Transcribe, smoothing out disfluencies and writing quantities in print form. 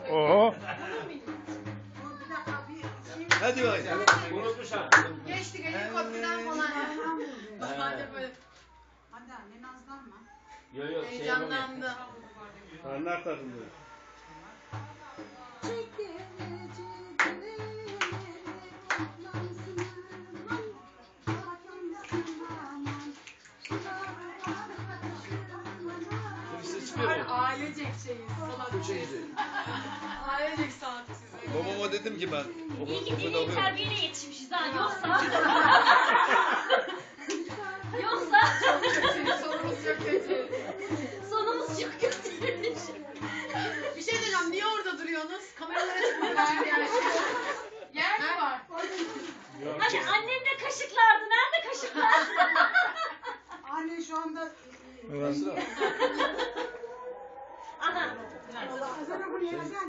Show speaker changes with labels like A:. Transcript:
A: Oho.
B: Hadi bakayım.
C: Unutmuş ha.
D: Geçtik helikopterden falan. Normalde böyle
E: Hadi anne nazlanma.
C: Yok yok şey
D: heyecanlandı.
B: Karnlar takıldı. Kimse çıkıyor mu?
D: Ailecek şeyiz.
B: Bu şeydi.
D: Ailecek sanatçı size.
B: Babama dedim ki ben
F: İyi ki
B: okulda
F: dini
B: okuyorum.
F: terbiyeyle yetişmişiz ha. Yoksa... Yoksa
D: Sorumuz çok kötü.
F: sonumuz çok kötüymüş.
D: Bir şey diyeceğim. Niye orada duruyorsunuz? Kameralara çıkmak var yani. Yer mi var?
F: Hani annem de kaşıklardı. Nerede kaşıklar?
E: Anne şu anda
B: Burası.
F: Aha.
E: Hazır buraya gel.